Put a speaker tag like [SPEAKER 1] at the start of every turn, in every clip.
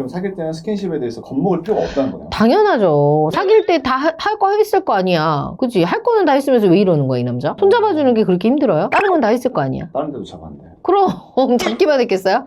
[SPEAKER 1] 그럼 사귈 때는 스킨십에 대해서 겁먹을 필요가 없다는 거네요.
[SPEAKER 2] 당연하죠. 사귈 때 다 할 거 했을 거 아니야. 그치? 할 거는 다 했으면서 왜 이러는 거야, 이 남자? 손 잡아주는 게 그렇게 힘들어요? 다른 건 다 했을 거 아니야.
[SPEAKER 1] 다른 데도 잡았는데.
[SPEAKER 2] 그럼 잡기만 했겠어요?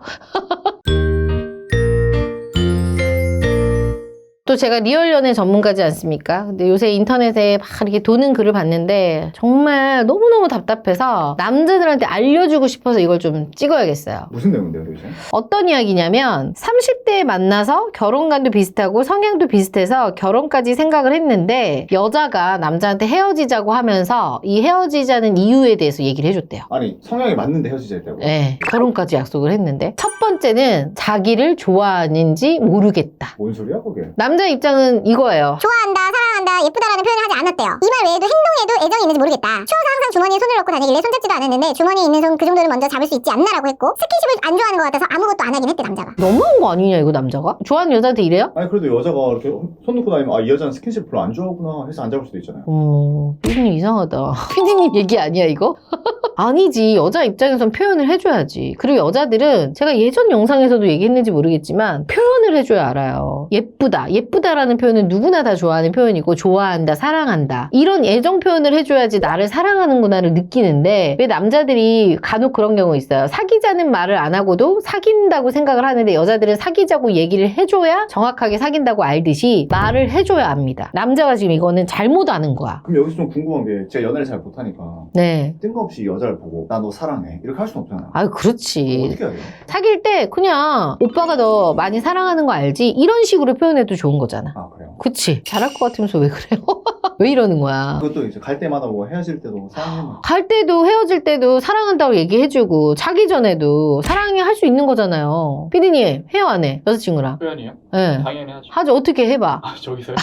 [SPEAKER 2] 또 제가 리얼 연애 전문가지 않습니까? 근데 요새 인터넷에 막 이렇게 도는 글을 봤는데 정말 너무너무 답답해서 남자들한테 알려주고 싶어서 이걸 좀 찍어야겠어요.
[SPEAKER 1] 무슨 내용인데요, 도대체?
[SPEAKER 2] 어떤 이야기냐면 30대에 만나서 결혼관도 비슷하고 성향도 비슷해서 결혼까지 생각을 했는데 여자가 남자한테 헤어지자고 하면서 이 헤어지자는 이유에 대해서 얘기를 해줬대요.
[SPEAKER 1] 아니, 성향이 맞는데 헤어지자 했다고?
[SPEAKER 2] 네, 결혼까지 약속을 했는데 첫 번째는 자기를 좋아하는지 모르겠다.
[SPEAKER 1] 뭔 소리야, 그게?
[SPEAKER 2] 남자 입장은 이거예요.
[SPEAKER 3] 좋아한다, 사랑한다, 예쁘다라는 표현을 하지 않았대요. 이 말 외에도 행동에도 애정이 있는지 모르겠다. 추워서 항상 주머니에 손을 넣고 다니길래 손잡지도 않았는데 주머니에 있는 손 그 정도는 먼저 잡을 수 있지 않나라고 했고 스킨십을 안 좋아하는 것 같아서 아무것도 안 하긴 했대 남자가.
[SPEAKER 2] 너무한 거 아니냐 이거 남자가? 좋아하는 여자한테 이래요?
[SPEAKER 1] 아니, 그래도 여자가 이렇게 손 놓고 다니면, 아, 이 여자는 스킨십 별로 안 좋아하구나 해서 안 잡을 수도 있잖아요.
[SPEAKER 2] 피디님 이상하다. 피디님 얘기 아니야 이거? 아니지. 여자 입장에선 표현을 해줘야지. 그리고 여자들은 제가 예전 영상에서도 얘기했는지 모르겠지만 표현을 해줘야 알아요. 예쁘다. 예쁘다라는 표현은 누구나 다 좋아하는 표현이고 좋아한다, 사랑한다. 이런 애정 표현을 해줘야지 나를 사랑하는구나를 느끼는데 왜 남자들이 간혹 그런 경우 있어요. 사귀자는 말을 안 하고도 사귄다고 생각을 하는데 여자들은 사귀자고 얘기를 해줘야 정확하게 사귄다고 알듯이 말을 해줘야 압니다. 남자가 지금 이거는 잘못 아는 거야.
[SPEAKER 1] 그럼 여기서 좀 궁금한 게 제가 연애를 잘 못하니까
[SPEAKER 2] 네.
[SPEAKER 1] 뜬금없이 여자를 보고 나 너 사랑해 이렇게 할 수는 없잖아요.
[SPEAKER 2] 아유 그렇지.
[SPEAKER 1] 어떻게 해야 돼요?
[SPEAKER 2] 사귈 때 그냥 오빠가 너 많이 사랑하는 거 알지? 이런 식으로 표현해도 좋은 거잖아.
[SPEAKER 1] 아, 그래요?
[SPEAKER 2] 그치? 잘할 것 같으면서 왜 그래요? 왜 이러는 거야?
[SPEAKER 1] 그것도 이제 갈 때마다 뭐 헤어질 때도 사랑해.
[SPEAKER 2] 갈 때도 헤어질 때도 사랑한다고 얘기해주고 자기 전에도 사랑해 할 수 있는 거잖아요. 피디님 해요 안 해? 여자친구랑.
[SPEAKER 4] 표현이요?
[SPEAKER 2] 네.
[SPEAKER 4] 당연히 하죠.
[SPEAKER 2] 하죠. 어떻게 해봐.
[SPEAKER 4] 아, 저기서요?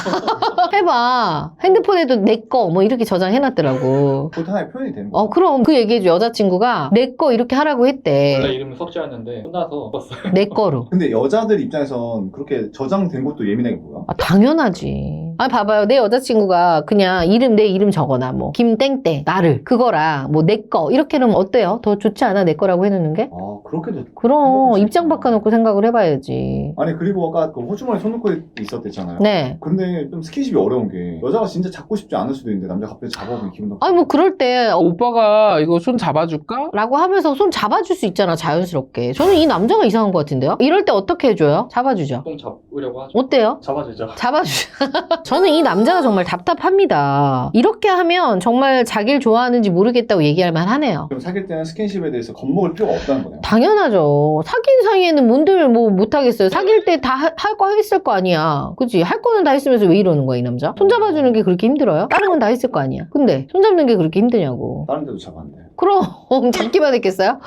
[SPEAKER 2] 해봐. 핸드폰에도 내 거 뭐 이렇게 저장해놨더라고.
[SPEAKER 1] 그것도 하나의 표현이 되는 거예요.
[SPEAKER 2] 그럼 그 얘기해줘. 여자친구가 내 거 이렇게 하라고
[SPEAKER 4] 원래
[SPEAKER 2] 했대.
[SPEAKER 4] 이름은 석지였는데 혼나서 썼어요.
[SPEAKER 2] 내 거로.
[SPEAKER 1] 근데 여자들 입장에선 그렇게 저장된 것도 예민하게 보여.
[SPEAKER 2] 아, 당연하지. 아, 봐봐요. 내 여자친구가 그냥 내 이름 적어놔. 뭐, 김땡땡, 나를. 그거랑, 뭐, 내 거. 이렇게 하면 어때요? 더 좋지 않아? 내 거라고 해놓는 게?
[SPEAKER 1] 아, 그렇게도.
[SPEAKER 2] 그럼,
[SPEAKER 1] 생각할 수
[SPEAKER 2] 입장
[SPEAKER 1] 있구나.
[SPEAKER 2] 바꿔놓고 생각을 해봐야지.
[SPEAKER 1] 아니, 그리고 아까 그 호주머니 손 놓고 있었댔잖아요.
[SPEAKER 2] 네.
[SPEAKER 1] 근데 좀 스킨십이 어려운 게 여자가 진짜 잡고 싶지 않을 수도 있는데 남자가 갑자기 잡아보면 기분 나빠.
[SPEAKER 2] 아니, 뭐, 그럴 때,
[SPEAKER 5] 오빠가 이거 손 잡아줄까?
[SPEAKER 2] 라고 하면서 손 잡아줄 수 있잖아, 자연스럽게. 저는 이 남자가 이상한 것 같은데요? 이럴 때 어떻게 해줘요? 잡아주죠.
[SPEAKER 4] 똥 잡으려고 하죠.
[SPEAKER 2] 어때요?
[SPEAKER 4] 잡아주죠.
[SPEAKER 2] 저는 이 남자가 정말 답답합니다. 이렇게 하면 정말 자기를 좋아하는지 모르겠다고 얘기할 만하네요.
[SPEAKER 1] 그럼 사귈 때는 스킨십에 대해서 겁먹을 필요가 없다는 거네요.
[SPEAKER 2] 당연하죠. 사귄 사이에는 뭔들 뭐 못하겠어요. 사귈 때 다 할 거 했을 거 아니야. 그치? 할 거는 다 했으면서 왜 이러는 거야, 이 남자? 손 잡아주는 게 그렇게 힘들어요? 다른 건 다 했을 거 아니야. 근데 손 잡는 게 그렇게 힘드냐고.
[SPEAKER 1] 다른 데도 잡았는데.
[SPEAKER 2] 그럼 잡기만 했겠어요?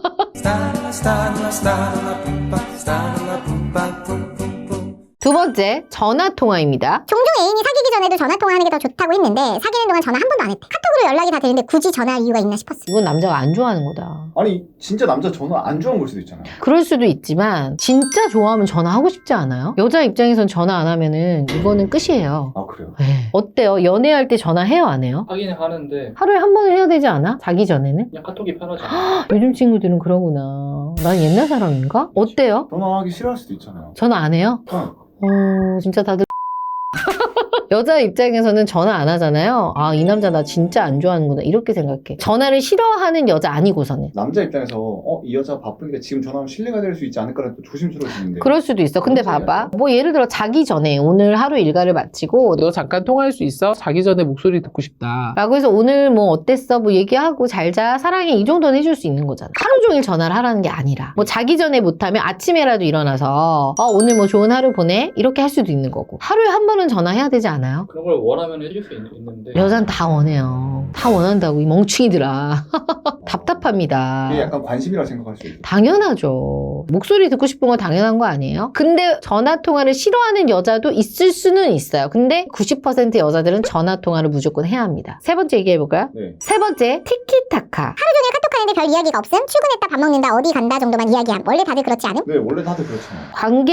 [SPEAKER 2] 두 번째, 전화통화입니다.
[SPEAKER 3] 종종 애인이 사귀기 전에도 전화 통화하는 게 더 좋다고 했는데 사귀는 동안 전화 한 번도 안 했대. 카톡으로 연락이 다 되는데 굳이 전화할 이유가 있나 싶었어.
[SPEAKER 2] 이건 남자가 안 좋아하는 거다.
[SPEAKER 1] 아니, 진짜 남자 전화 안 좋아하는 걸 수도 있잖아요.
[SPEAKER 2] 그럴 수도 있지만 진짜 좋아하면 전화하고 싶지 않아요? 여자 입장에선 전화 안 하면은 이거는 끝이에요.
[SPEAKER 1] 아, 그래요?
[SPEAKER 2] 네. 어때요? 연애할 때 전화해요, 안 해요?
[SPEAKER 4] 하긴 하는데
[SPEAKER 2] 하루에 한 번은 해야 되지 않아? 자기 전에는?
[SPEAKER 4] 그냥 카톡이 편하잖아요.
[SPEAKER 2] 요즘 친구들은 그러구나. 난 옛날 사람인가? 어때요?
[SPEAKER 1] 전화하기 싫어할 수도 있잖아요.
[SPEAKER 2] 전화 안 해요? 진짜 다들 여자 입장에서는 전화 안 하잖아요. 아, 이 남자 나 진짜 안 좋아하는구나. 이렇게 생각해. 전화를 싫어하는 여자 아니고서는.
[SPEAKER 1] 남자 입장에서 이 여자 바쁘니까 지금 전화하면 신뢰가 될 수 있지 않을까라는 또 조심스러워지는데.
[SPEAKER 2] 그럴 수도 있어. 근데
[SPEAKER 1] 그런
[SPEAKER 2] 봐봐. 뭐 예를 들어 자기 전에 오늘 하루 일과를 마치고
[SPEAKER 5] 너 잠깐 통화할 수 있어? 자기 전에 목소리 듣고 싶다.
[SPEAKER 2] 라고 해서 오늘 뭐 어땠어? 뭐 얘기하고 잘자 사랑해 이 정도는 해줄 수 있는 거잖아. 하루 종일 전화를 하라는 게 아니라 뭐 자기 전에 못하면 아침에라도 일어나서 오늘 뭐 좋은 하루 보내? 이렇게 할 수도 있는 거고. 하루에 한 번은 전화해야 되지 않아요?
[SPEAKER 4] 그런 걸 원하면 해줄 수 있는데
[SPEAKER 2] 여잔 다 원해요. 다 원한다고 이 멍충이들아. 답답합니다.
[SPEAKER 1] 이게 약간 관심이라고 생각할 수 있죠.
[SPEAKER 2] 당연하죠. 목소리 듣고 싶은 건 당연한 거 아니에요? 근데 전화통화를 싫어하는 여자도 있을 수는 있어요. 근데 90% 여자들은 전화통화를 무조건 해야 합니다. 세 번째 얘기해볼까요?
[SPEAKER 1] 네.
[SPEAKER 2] 세 번째, 티키타카.
[SPEAKER 3] 하루 종일 카톡하는 다니는데 별 이야기가 없음. 출근했다 밥 먹는다 어디 간다 정도만 이야기함. 원래 다들 그렇지 않음?
[SPEAKER 1] 네, 원래 다들 그렇잖아요.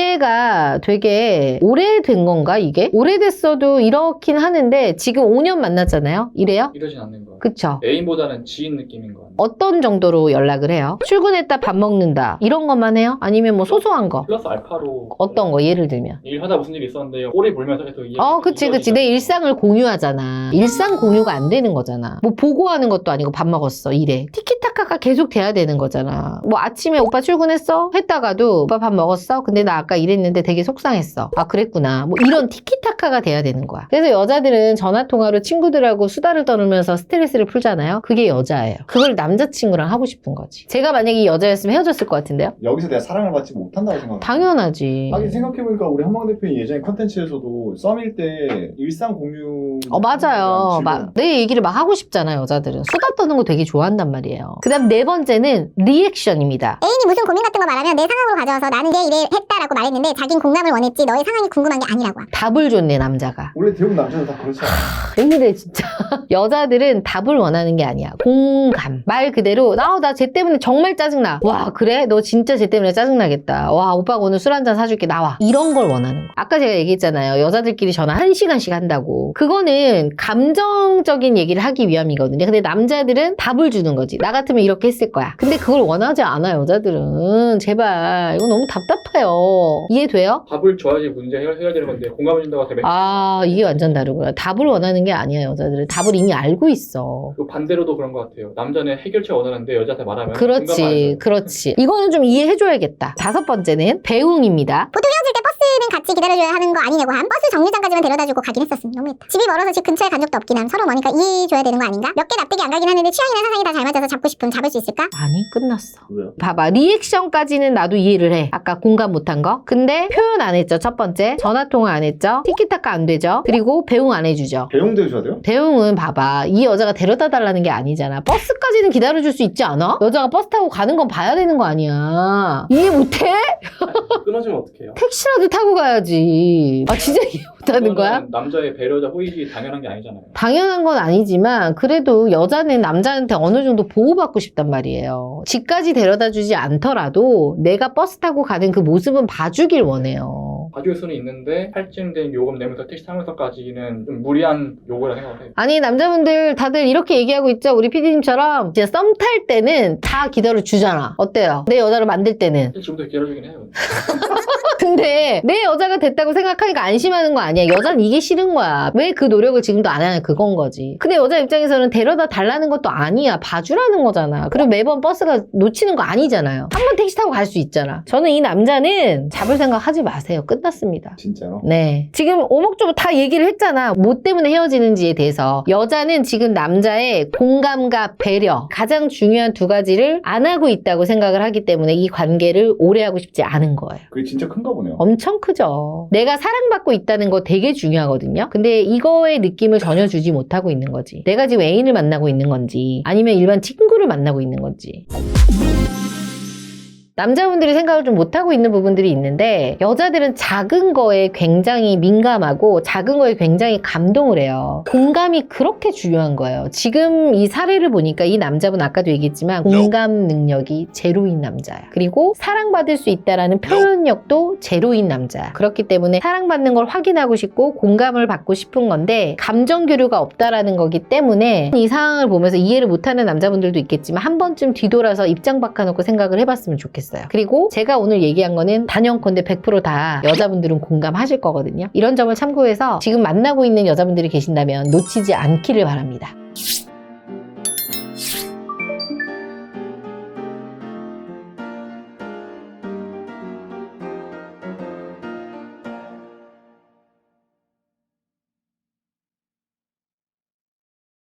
[SPEAKER 2] 관계가 되게 오래된 건가 이게? 오래됐어도 이렇긴 하는데 지금 5년 만났잖아요. 이래요?
[SPEAKER 4] 이러진 않는 거예요.
[SPEAKER 2] 그쵸?
[SPEAKER 4] 애인보다는 지인 느낌인 거 같아요.
[SPEAKER 2] 어떤 정도로 연락을 해요? 출근했다 밥 먹는다 이런 것만 해요? 아니면 뭐 소소한 거?
[SPEAKER 4] 플러스 알파로
[SPEAKER 2] 어떤 거 예를 들면?
[SPEAKER 4] 일하다 무슨 일이 있었는데 오래 몰면서 계속
[SPEAKER 2] 그치. 내 일상을 공유하잖아. 일상 공유가 안 되는 거잖아. 뭐 보고하는 것도 아니고 밥 먹었어 이래. 티키타카가 계속 돼야 되는 거잖아. 뭐 아침에 오빠 출근했어? 했다가도 오빠 밥 먹었어? 근데 나 아까 이랬는데 되게 속상했어. 아 그랬구나. 뭐 이런 티키타카가 돼야 되는 거야. 그래서 여자들은 전화통화로 친구들하고 수다를 떠누면서 스트레스를 풀잖아요. 그게 여자예요. 그걸 남자친구랑 하고 싶은 거지. 제가 만약에 이 여자였으면 헤어졌을 것 같은데요?
[SPEAKER 1] 여기서 내가 사랑을 받지 못한다고 생각해요.
[SPEAKER 2] 당연하지.
[SPEAKER 1] 하긴 생각해보니까 우리 한방 대표님 예전에 컨텐츠에서도 썸일 때 일상 공유
[SPEAKER 2] 맞아요. 내 얘기를 막 하고 싶잖아 여자들은. 수다 떠는 거 되게 좋아한단 말이에요. 그 다음 네 번째는 리액션입니다.
[SPEAKER 3] 애인이 무슨 고민 같은 거 말하면 내 상황으로 가져와서 나는 이래 했다라고 말했는데 자긴 공감을 원했지 너의 상황이 궁금한 게 아니라고 함.
[SPEAKER 2] 답을 줬네 남자가.
[SPEAKER 1] 원래 대부분 남자들 다 그렇잖아요.
[SPEAKER 2] 왜 이래 진짜. 여자들은 답을 원하는 게 아니야. 공감. 말 그대로 나 쟤 때문에 정말 짜증나. 와 그래? 너 진짜 쟤 때문에 짜증나겠다. 와 오빠가 오늘 술 한잔 사줄게. 나와. 이런 걸 원하는 거. 아까 제가 얘기했잖아요. 여자들끼리 전화 1시간씩 한다고. 그거는 감정적인 얘기를 하기 위함이거든요. 근데 남자들은 답을 주는 거지. 나 같으면 이렇게 했을 거야. 근데 그걸 원하지 않아 여자들은. 제발 이거 너무 답답해요. 이해돼요?
[SPEAKER 4] 답을 줘야지 문제 해결되는 건데 공감해 준다고 해서
[SPEAKER 2] 이게 완전 다르구나. 답을 원하는 게 아니야 여자들은. 답을 이미 알고 있어.
[SPEAKER 4] 또 반대로도 그런 것 같아요. 남자는 해결책 원하는데 여자한테 말하면 공감 안
[SPEAKER 2] 그렇지
[SPEAKER 4] 해줘요.
[SPEAKER 2] 그렇지. 이거는 좀 이해해줘야겠다. 다섯 번째는 배웅입니다.
[SPEAKER 3] 보통 헤어질 때 버스는 같이 기다려줘야 하는 거 아니냐고 함. 버스 정류장까지만 데려다주고 가긴 했었음. 너무했다. 집이 멀어서 집 근처에 간 적도 없긴 함. 서로 머니까 이해해줘야 되는 거 아닌가? 몇 개 납득이 안 가긴 하는데 취향이나 사상이 다 잘 맞아서 잡고 싶음. 잡을 수 있을까?
[SPEAKER 2] 아니 끝났어.
[SPEAKER 1] 왜요?
[SPEAKER 2] 봐봐 리액션까지는 나도 이해를 해. 아까 공감 못한 거. 근데 표현 안 했죠. 첫 번째 전화통화 안 했죠. 티키타카 안 되죠. 그리고 배웅 안 해주죠.
[SPEAKER 1] 배웅도 해줘야 돼요?
[SPEAKER 2] 배웅은 봐봐 이 여자가 데려다 달라는 게 아니잖아. 버스까지는 기다려줄 수 있지 않아? 여자가 버스 타고 가는 건 봐야 되는 거 아니야. 이해 못해?
[SPEAKER 4] 끊어지면 어떡해요?
[SPEAKER 2] 택시라도 타고 가야지. 아 진짜 이해 못하는 거야?
[SPEAKER 4] 그거는 남자의 배려자 호의지 당연한 게 아니잖아요.
[SPEAKER 2] 당연한 건 아니지만 그래도 여자는 남자한테 어느 정도 보호받고 싶단 말이에요. 집까지 데려다 주지 않더라도 내가 버스 타고 가는 그 모습은 봐주길 원해요.
[SPEAKER 4] 봐줄 수는 있는데 할증된 요금 내면서 택시 타면서까지는 좀 무리한 요구라 생각해요.
[SPEAKER 2] 아니 남자분들 다들 이렇게 얘기하고 있죠. 우리 PD님처럼 진짜 썸 탈 때는 다 기다려 주잖아. 어때요? 내 여자로 만들 때는.
[SPEAKER 4] 지금부터 기다려주긴 해요.
[SPEAKER 2] 근데 내 여자가 됐다고 생각하니까 안심하는 거 아니야. 여자는 이게 싫은 거야. 왜 그 노력을 지금도 안 하냐 그건 거지. 근데 여자 입장에서는 데려다 달라는 것도 아니야. 봐주라는 거잖아. 그리고 매번 버스가 놓치는 거 아니잖아요. 한 번 택시 타고 갈 수 있잖아. 저는 이 남자는 잡을 생각 하지 마세요. 끝났습니다.
[SPEAKER 1] 진짜로?
[SPEAKER 2] 네. 지금 오목조목 다 얘기를 했잖아. 뭐 때문에 헤어지는지에 대해서. 여자는 지금 남자의 공감과 배려 가장 중요한 두 가지를 안 하고 있다고 생각을 하기 때문에 이 관계를 오래 하고 싶지 않은 거예요.
[SPEAKER 1] 그게 진짜 큰가 보네요.
[SPEAKER 2] 엄청 크죠. 내가 사랑받고 있다는 거 되게 중요하거든요. 근데 이거의 느낌을 전혀 주지 못하고 있는 거지. 내가 지금 애인을 만나고 있는 건지 아니면 일반 친구를 만나고 있는 건지. 남자분들이 생각을 좀 못하고 있는 부분들이 있는데 여자들은 작은 거에 굉장히 민감하고 작은 거에 굉장히 감동을 해요. 공감이 그렇게 중요한 거예요. 지금 이 사례를 보니까 이 남자분 아까도 얘기했지만 공감 능력이 제로인 남자야. 그리고 사랑받을 수 있다라는 표현력도 제로인 남자야. 그렇기 때문에 사랑받는 걸 확인하고 싶고 공감을 받고 싶은 건데 감정 교류가 없다라는 거기 때문에 이 상황을 보면서 이해를 못하는 남자분들도 있겠지만 한 번쯤 뒤돌아서 입장 바꿔놓고 생각을 해봤으면 좋겠어요. 그리고 제가 오늘 얘기한 거는 단연컨대 100% 다 여자분들은 공감하실 거거든요. 이런 점을 참고해서 지금 만나고 있는 여자분들이 계신다면 놓치지 않기를 바랍니다.